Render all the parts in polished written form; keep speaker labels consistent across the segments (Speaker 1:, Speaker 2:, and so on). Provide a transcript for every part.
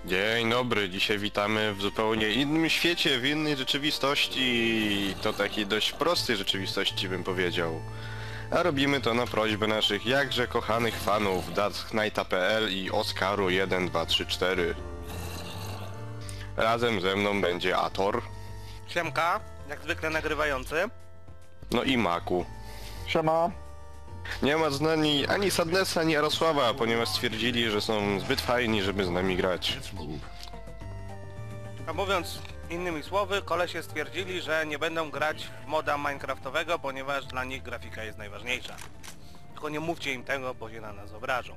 Speaker 1: Dzień dobry, dzisiaj witamy w zupełnie innym świecie, w innej rzeczywistości, to takiej dość prostej rzeczywistości bym powiedział. A robimy to na prośbę naszych jakże kochanych fanów Darkknighta.pl i Oskaru 1, 2, 3, 4. Razem ze mną będzie Ator,
Speaker 2: Siemka, jak zwykle nagrywający.
Speaker 1: no i Maku.
Speaker 3: Siema.
Speaker 1: Nie ma z nami ani Sadnessa, ani Jarosława, ponieważ stwierdzili, że są zbyt fajni, żeby z nami grać.
Speaker 2: A mówiąc innymi słowy, kolesie stwierdzili, że nie będą grać w moda minecraftowego, ponieważ dla nich grafika jest najważniejsza. Tylko nie mówcie im tego, bo się na nas obrażą.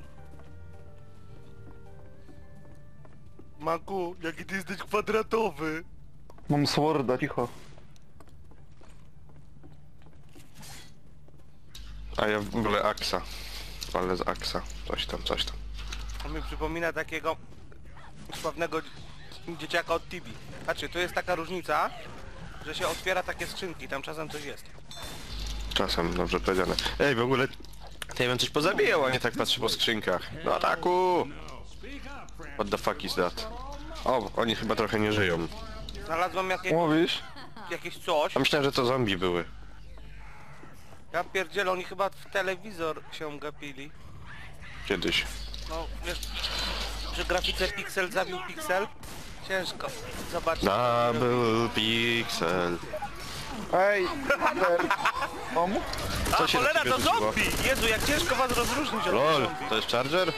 Speaker 2: Maku, jaki ty jesteś kwadratowy!
Speaker 3: Mam sworda, cicho.
Speaker 1: A ja w ogóle Aksa. Ale z Aksa. Coś tam, coś tam.
Speaker 2: On mi przypomina takiego sławnego dzieciaka od Tibi. Znaczy, tu jest taka różnica, że się otwiera takie skrzynki, tam czasem coś jest.
Speaker 1: Czasem, dobrze powiedziane. Ej, w ogóle... Ja bym coś pozabijał, a nie tak patrzę po skrzynkach. Do ataku! What the fuck is that? O, oni chyba trochę nie żyją.
Speaker 2: Znalazłem
Speaker 3: Mówisz?
Speaker 2: jakieś coś.
Speaker 1: A myślałem, że to zombie były.
Speaker 2: Ja pierdzielę, oni chyba w telewizor się gapili.
Speaker 1: Kiedyś.
Speaker 2: No, wiesz, przy grafice piksel zabił piksel. Ciężko zobaczyć.
Speaker 1: Double pixel.
Speaker 3: Ej, Tom?
Speaker 1: Co
Speaker 2: A
Speaker 1: się na
Speaker 2: cholera,
Speaker 1: ciebie
Speaker 2: to
Speaker 1: rzuciło?
Speaker 2: zombie! Jezu, jak ciężko was rozróżnić od
Speaker 1: LOL,
Speaker 2: zombie.
Speaker 1: to jest charger?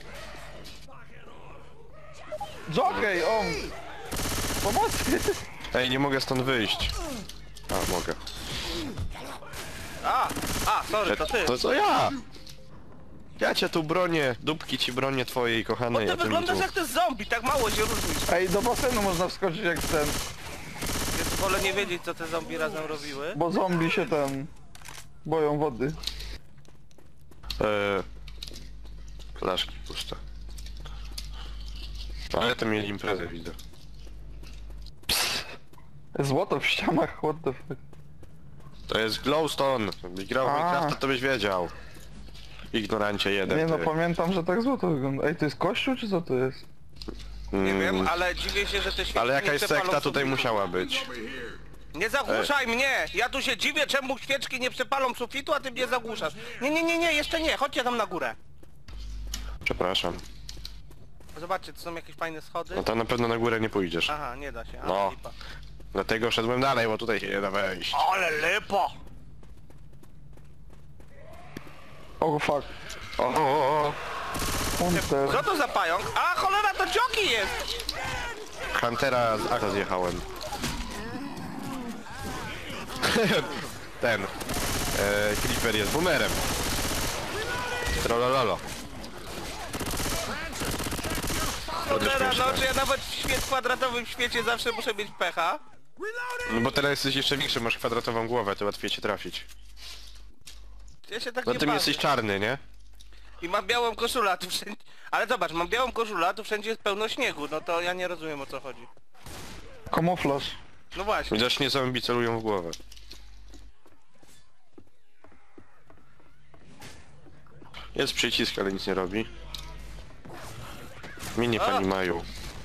Speaker 3: Jockey, on! Pomocy!
Speaker 1: Ej, nie mogę stąd wyjść. A, mogę.
Speaker 2: Sorry, to ty.
Speaker 1: To co ja? Ja cię tu bronię, dupki ci bronię twojej
Speaker 2: Bo
Speaker 1: kochanej,
Speaker 2: ty
Speaker 1: a ty mi
Speaker 2: wyglądasz
Speaker 1: tu...
Speaker 2: jak ten zombie, tak mało się różnisz.
Speaker 3: Ej, do basenu można wskoczyć jak ten,
Speaker 2: Więc wolę nie wiedzieć, co te zombie razem robiły.
Speaker 3: bo zombie się tam boją wody.
Speaker 1: Flaszki puste. Ale to mieli imprezę, widzę.
Speaker 3: Złoto w ścianach, what the fuck.
Speaker 1: To jest glowstone. Jakbyś grał w
Speaker 3: A.
Speaker 1: Minecrafta, to byś wiedział. Ignorancie jeden.
Speaker 3: Nie no,
Speaker 1: ty.
Speaker 3: pamiętam, że tak złoto wygląda. Ej, to jest kościół czy co to jest?
Speaker 2: Nie wiem, ale dziwię się, że te świeczki
Speaker 1: Ale
Speaker 2: nie
Speaker 1: jakaś
Speaker 2: przepalą
Speaker 1: sekta tutaj
Speaker 2: sufitu.
Speaker 1: musiała być.
Speaker 2: Nie zagłuszaj mnie! Ja tu się dziwię, czemu świeczki nie przepalą sufitu, a ty mnie zagłuszasz. Nie, jeszcze nie, chodźcie tam na górę.
Speaker 1: Przepraszam.
Speaker 2: Zobaczcie, to są jakieś fajne schody.
Speaker 1: No to na pewno na górę nie pójdziesz.
Speaker 2: Aha, nie da się,
Speaker 1: No.
Speaker 2: lipa.
Speaker 1: Dlatego szedłem dalej, bo tutaj się nie da wejść.
Speaker 2: Ale lipa!
Speaker 3: Oh fuck.
Speaker 1: O,
Speaker 3: Hunter.
Speaker 2: Co to za pająk? A cholera, to Joki jest!
Speaker 1: Huntera z Aka zjechałem. Ten. Creeper jest boomerem. Trollololo.
Speaker 2: Cholera, no czy ja nawet w kwadratowym świecie zawsze muszę mieć pecha?
Speaker 1: No bo teraz jesteś jeszcze większy, masz kwadratową głowę, to łatwiej cię trafić.
Speaker 2: Ja się tak
Speaker 1: No
Speaker 2: nie
Speaker 1: ty
Speaker 2: bawię.
Speaker 1: jesteś czarny, nie?
Speaker 2: I mam białą koszulę, a tu wszędzie... Ale zobacz, mam białą koszulę, a tu wszędzie jest pełno śniegu, no to ja nie rozumiem, o co chodzi.
Speaker 3: Kamuflaż.
Speaker 2: No właśnie.
Speaker 1: Widocznie zombie celują w głowę. Jest przycisk, ale nic nie robi. Mini pani mają.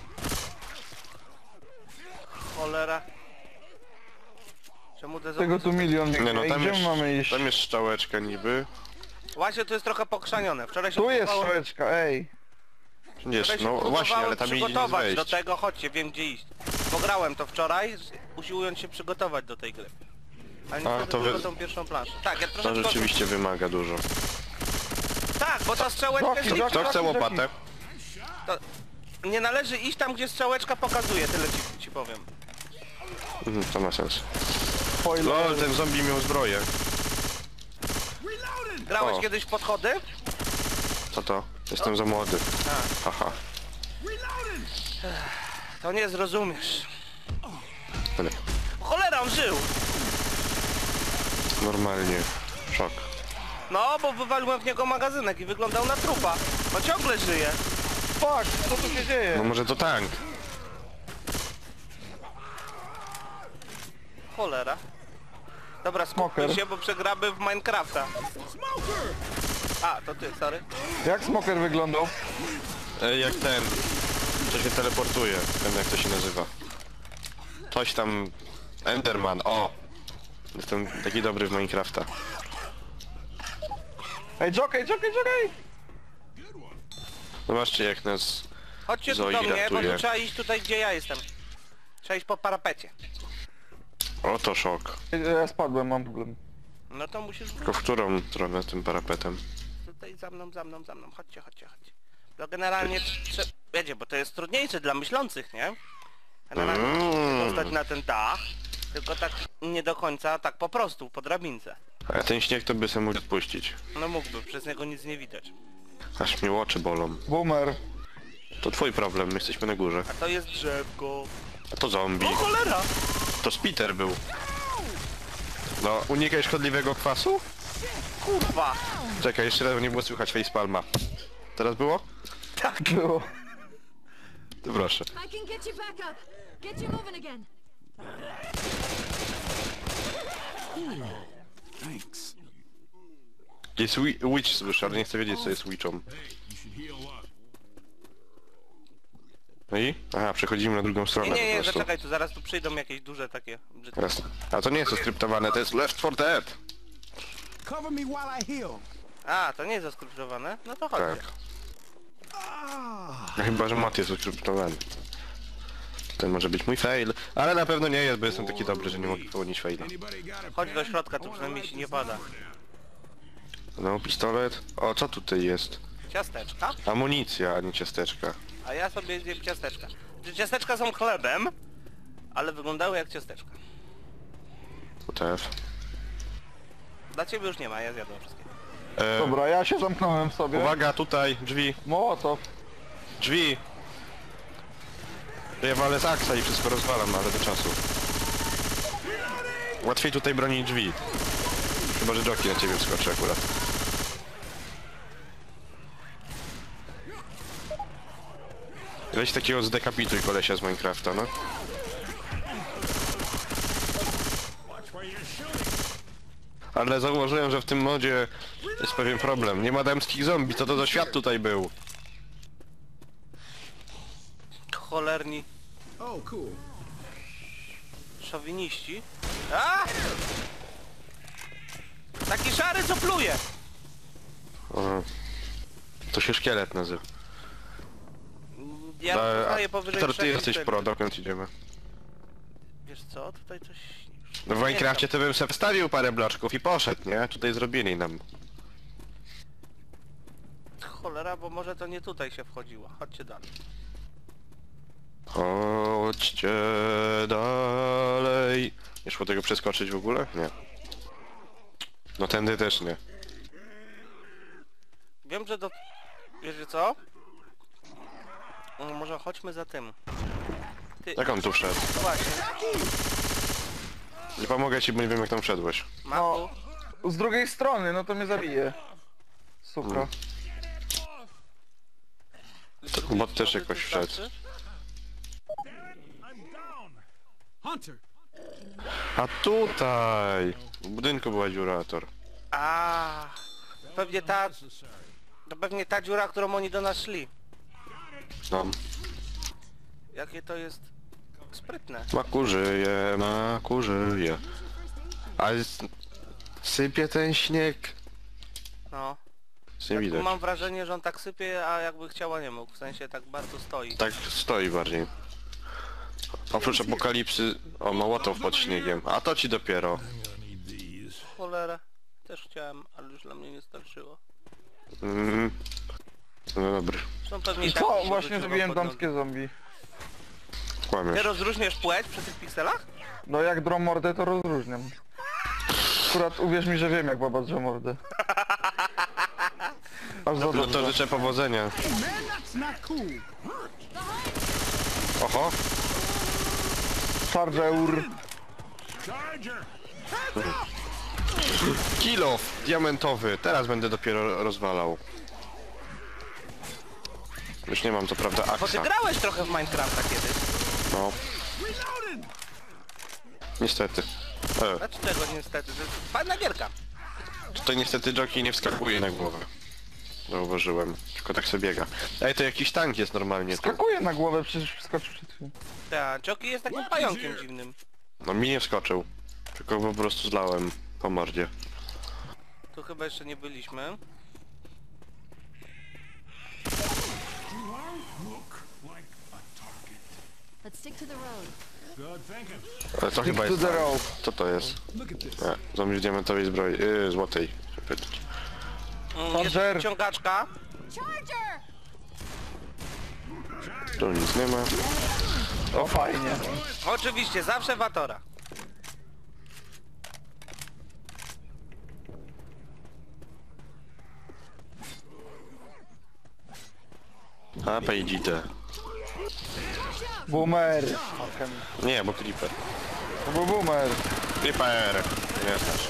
Speaker 2: Cholera. Czemu te
Speaker 3: Tego tu milion.
Speaker 1: Nie no,
Speaker 3: Ej,
Speaker 1: tam
Speaker 3: gdzie
Speaker 1: jest,
Speaker 3: mamy iść?
Speaker 1: tam jest strzałeczka niby.
Speaker 2: Właśnie to jest trochę pokrzanione. Wczoraj się
Speaker 3: Tu jest
Speaker 2: próbowało-
Speaker 3: strzałeczka, ej.
Speaker 1: Gdzieś,
Speaker 2: wczoraj się
Speaker 1: no właśnie,
Speaker 2: próbowałem
Speaker 1: ale tam idzie
Speaker 2: przygotować do
Speaker 1: wejść.
Speaker 2: tego, chodźcie, wiem gdzie iść. Pograłem to wczoraj, usiłując się przygotować do tej gry. Ale niestety
Speaker 1: to wy-
Speaker 2: tylko tą pierwszą planszę. Tak, ja
Speaker 1: To
Speaker 2: troszeczkę...
Speaker 1: rzeczywiście wymaga dużo.
Speaker 2: Tak, bo ta strzałeczka...
Speaker 3: Joki,
Speaker 2: jest-
Speaker 3: Joki.
Speaker 1: Kto chce łopatę?
Speaker 2: To... Nie należy iść tam, gdzie strzałeczka pokazuje, tyle ci powiem.
Speaker 1: To ma sens.
Speaker 3: Spoiler.
Speaker 1: Lol, ten zombie miał zbroję.
Speaker 2: Grałeś
Speaker 1: O.
Speaker 2: kiedyś w podchody?
Speaker 1: Co to? Jestem za młody.
Speaker 2: Tak.
Speaker 1: Haha.
Speaker 2: To nie zrozumiesz.
Speaker 1: Ale
Speaker 2: Cholera, on żył!
Speaker 1: normalnie. Szok.
Speaker 2: No, bo wywaliłem w niego magazynek i wyglądał na trupa. On ciągle żyje.
Speaker 3: Fuck, co tu się dzieje?
Speaker 1: No może to tank.
Speaker 2: Cholera. Dobra, skupmy
Speaker 3: Smoker.
Speaker 2: się, bo przegramy w Minecrafta. A, to ty, sorry.
Speaker 3: Jak smoker wyglądał?
Speaker 1: Jak ten. Co się teleportuje, wiem jak to się nazywa. Coś tam... Enderman, o! Jestem taki dobry w Minecrafta.
Speaker 3: Ej, Jockey!
Speaker 1: Zobaczcie jak nas...
Speaker 2: Chodźcie tu
Speaker 1: Zoe
Speaker 2: do mnie, bo
Speaker 1: ratuje.
Speaker 2: tu trzeba iść tutaj, gdzie ja jestem. Trzeba iść po parapecie.
Speaker 1: Oto szok.
Speaker 3: Ja spadłem, mam problem.
Speaker 2: No to musisz
Speaker 1: Tylko w którą stronę tym parapetem?
Speaker 2: tutaj za mną. Chodźcie. No generalnie wiecie, bo to jest trudniejsze dla myślących, nie? Generalnie dostać na ten dach, tylko tak nie do końca, tak po prostu, po drabince.
Speaker 1: A ten śnieg to by sobie mógł odpuścić.
Speaker 2: No mógłby, przez niego nic nie widać.
Speaker 1: Aż mnie oczy bolą.
Speaker 3: Boomer.
Speaker 1: To twój problem, my jesteśmy na górze.
Speaker 2: A to jest drzewko.
Speaker 1: A to zombie.
Speaker 2: O cholera!
Speaker 1: To Spiter był. No, unikaj szkodliwego kwasu?
Speaker 2: Kurwa!
Speaker 1: Czekaj, jeszcze raz nie było słychać facepalma. Teraz było?
Speaker 3: Było.
Speaker 1: To proszę.
Speaker 4: I can get you back up. Get you moving again.
Speaker 1: Jest witch słyszę, ale nie chcę wiedzieć co jest witchą. No i? Aha, przechodzimy na drugą stronę
Speaker 2: Nie,
Speaker 1: po prostu.
Speaker 2: zaczekaj, tu zaraz tu przyjdą jakieś duże takie brzydkie.
Speaker 1: Teraz. A to nie jest skryptowane, to jest Left 4 Dead.
Speaker 5: Cover me while I heal.
Speaker 2: A, to nie jest zaskryptowane? No to chodźcie.
Speaker 1: Tak. No chyba, że mat jest skryptowany. Ten może być mój fail, ale na pewno nie jest, bo jestem taki dobry, że nie mogę popełnić faila.
Speaker 5: Anybody got a
Speaker 2: Chodź do środka, tu przynajmniej się nie pada.
Speaker 1: No, pistolet. O, co tutaj jest?
Speaker 2: Ciasteczka?
Speaker 1: Amunicja, a nie ciasteczka.
Speaker 2: A ja sobie zjem ciasteczka. Ciasteczka są chlebem, ale wyglądały jak ciasteczka.
Speaker 1: WTF.
Speaker 2: Dla ciebie już nie ma, ja zjadłem wszystkie.
Speaker 3: Dobra, ja się zamknąłem w sobie.
Speaker 1: Uwaga, tutaj, drzwi,
Speaker 3: Mołotow.
Speaker 1: drzwi! Ja walę z aksa i wszystko rozwalam, ale do czasu. Łatwiej tutaj bronić drzwi. Chyba, że Joki na ciebie wskoczy akurat. Weź takiego zdekapituj kolesia z Minecrafta, no. Ale zauważyłem, że w tym modzie jest pewien problem. Nie ma damskich zombie, co to za świat tutaj był?
Speaker 2: Cholerni
Speaker 5: Oh, cool.
Speaker 2: szowiniści. A! Taki szary, co pluje!
Speaker 1: Aha. To się szkielet nazywa.
Speaker 2: Ja poznaję powyżej
Speaker 1: Peter, ty
Speaker 2: 3
Speaker 1: jesteś
Speaker 2: liter.
Speaker 1: pro, dokąd idziemy?
Speaker 2: Wiesz co, tutaj coś...
Speaker 1: No w Minecrafcie to bym sobie wstawił parę bloczków i poszedł, nie? Tutaj zrobili nam.
Speaker 2: Cholera, bo może to nie tutaj się wchodziło. Chodźcie dalej.
Speaker 1: Chodźcie dalej. Nie szło tego przeskoczyć w ogóle? Nie. No tędy też nie.
Speaker 2: Wiem, że do... Wiecie co? Może chodźmy za tym. Ty...
Speaker 1: Jak on tu wszedł?
Speaker 2: No właśnie.
Speaker 1: Nie pomogę ci, bo nie wiem jak tam wszedłeś.
Speaker 2: Maku.
Speaker 3: Z drugiej strony, no to mnie zabije. Suka.
Speaker 1: Bot też jakoś wszedł.
Speaker 5: Hunter.
Speaker 1: A tutaj! W budynku była dziura, Tor.
Speaker 2: A, pewnie ta... To pewnie ta dziura, którą oni do nas szli.
Speaker 1: No.
Speaker 2: Jakie to jest... sprytne.
Speaker 1: Maku żyje. Ale sypie ten śnieg.
Speaker 2: No.
Speaker 1: Nic nie
Speaker 2: Tak,
Speaker 1: widać.
Speaker 2: mam wrażenie, że on tak sypie, a jakby chciała nie mógł. W sensie tak bardzo stoi.
Speaker 1: Tak stoi bardziej. Oprócz apokalipsy... O, Mołotow pod śniegiem. A to ci dopiero.
Speaker 2: Cholera. Też chciałem, ale już dla mnie nie starczyło.
Speaker 1: Mm. No dobry.
Speaker 2: Są pewnie i tak
Speaker 3: Co?
Speaker 2: się
Speaker 3: Właśnie
Speaker 2: wróciło
Speaker 3: zrobiłem
Speaker 2: pod nogi.
Speaker 3: damskie zombie.
Speaker 2: Ty
Speaker 1: Kłamiesz.
Speaker 2: rozróżniasz płeć przy tych pikselach?
Speaker 3: No jak drą mordę, to rozróżniam. Akurat uwierz mi, że wiem jak baba drze mordę. Aż za
Speaker 1: No to
Speaker 3: dobrze.
Speaker 1: życzę powodzenia.
Speaker 5: Man, that's not cool.
Speaker 1: Oho!
Speaker 3: Charger.
Speaker 5: Charger.
Speaker 1: Kilof diamentowy. Teraz będę dopiero rozwalał. Już nie mam co prawda
Speaker 2: Bo ty
Speaker 1: aksa.
Speaker 2: grałeś trochę w Minecrafta kiedyś.
Speaker 1: No. Niestety.
Speaker 2: Znaczy czego niestety, to jest fajna gierka.
Speaker 1: Tutaj niestety Joki nie wskakuje na głowę. Zauważyłem. Tylko tak sobie biega. Ej, to jakiś tank jest normalnie tu.
Speaker 3: Skakuje na głowę, przecież wskoczył przed chwilą.
Speaker 2: Tak, Joki jest takim pająkiem dziwnym.
Speaker 1: No mi nie wskoczył. Tylko po prostu zlałem po mordzie.
Speaker 2: Tu chyba jeszcze nie byliśmy.
Speaker 5: Look like a target.
Speaker 4: Let's stick to the road.
Speaker 5: Good thinking.
Speaker 1: Ale to chyba
Speaker 3: to
Speaker 1: jest
Speaker 3: the
Speaker 1: tank.
Speaker 3: rope.
Speaker 1: Co to jest?
Speaker 5: Look at this.
Speaker 1: Nie, zombie z diamentowej zbroi. Złotej. Pytać.
Speaker 2: Jest
Speaker 3: Panzer.
Speaker 2: ciągaczka.
Speaker 4: Charger!
Speaker 1: Tu nic nie ma.
Speaker 3: O, fajnie.
Speaker 2: Oczywiście, zawsze Watora.
Speaker 1: A, pejdzite.
Speaker 3: Boomer.
Speaker 1: Nie, bo creeper.
Speaker 3: To był boomer.
Speaker 1: Creeper! Nie znasz.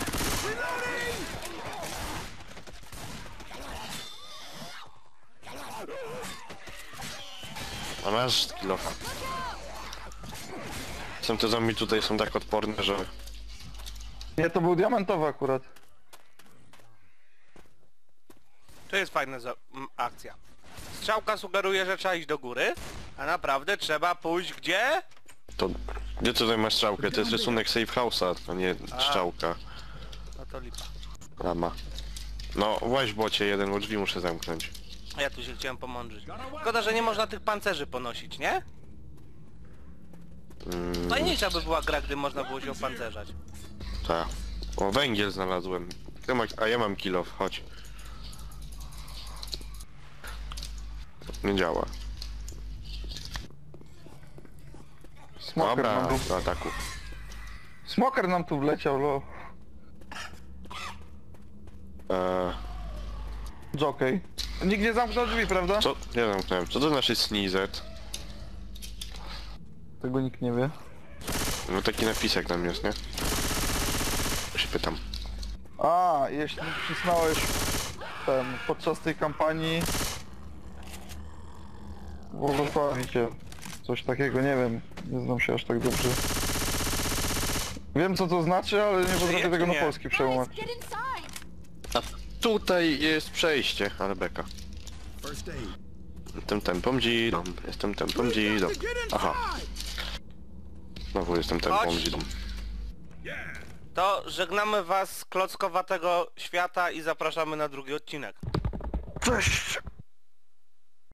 Speaker 1: A masz kilofa. Są te zombie tutaj są tak odporne, że...
Speaker 3: Nie, to był diamentowy akurat.
Speaker 2: To jest fajna akcja. Strzałka sugeruje, że trzeba iść do góry, a naprawdę trzeba pójść gdzie?
Speaker 1: To... Gdzie tutaj masz strzałkę? To jest rysunek safe house'a, a nie strzałka.
Speaker 2: No to lipa.
Speaker 1: Lama. No, właź bocie jeden, bo drzwi muszę zamknąć.
Speaker 2: A ja tu się chciałem pomądrzyć. Szkoda, że nie można tych pancerzy ponosić, nie? Fajniejsza by była gra, gdy można było się opancerzać.
Speaker 1: Tak. O, węgiel znalazłem. A ja mam kilof, chodź. Nie działa.
Speaker 3: Smoker
Speaker 1: Dobra,
Speaker 3: nam tu...
Speaker 1: do ataku.
Speaker 3: Smoker nam tu wleciał, lo. Jockey. Nikt nie zamknął drzwi, prawda?
Speaker 1: Co? Nie zamknąłem. Co to znaczy sneezet?
Speaker 3: Tego nikt nie wie.
Speaker 1: No taki napisek tam jest, nie? Się pytam.
Speaker 3: A, jeśli przyznałeś podczas tej kampanii błogosławicie. Coś takiego, nie wiem. Nie znam się aż tak dobrze. Wiem co to znaczy, ale nie potrafię tego na
Speaker 2: nie?
Speaker 3: polski
Speaker 4: Guys,
Speaker 3: przełamać.
Speaker 4: get inside!
Speaker 1: A tutaj jest przejście, ale beka.
Speaker 5: First aid.
Speaker 1: Jestem tempą dzidą, jestem tempą dzidą.
Speaker 5: Get
Speaker 1: Aha,
Speaker 5: inside.
Speaker 1: znowu jestem tempą
Speaker 2: Chodź.
Speaker 1: dzidą.
Speaker 2: To żegnamy was z klockowatego świata i zapraszamy na drugi odcinek.
Speaker 3: Cześć!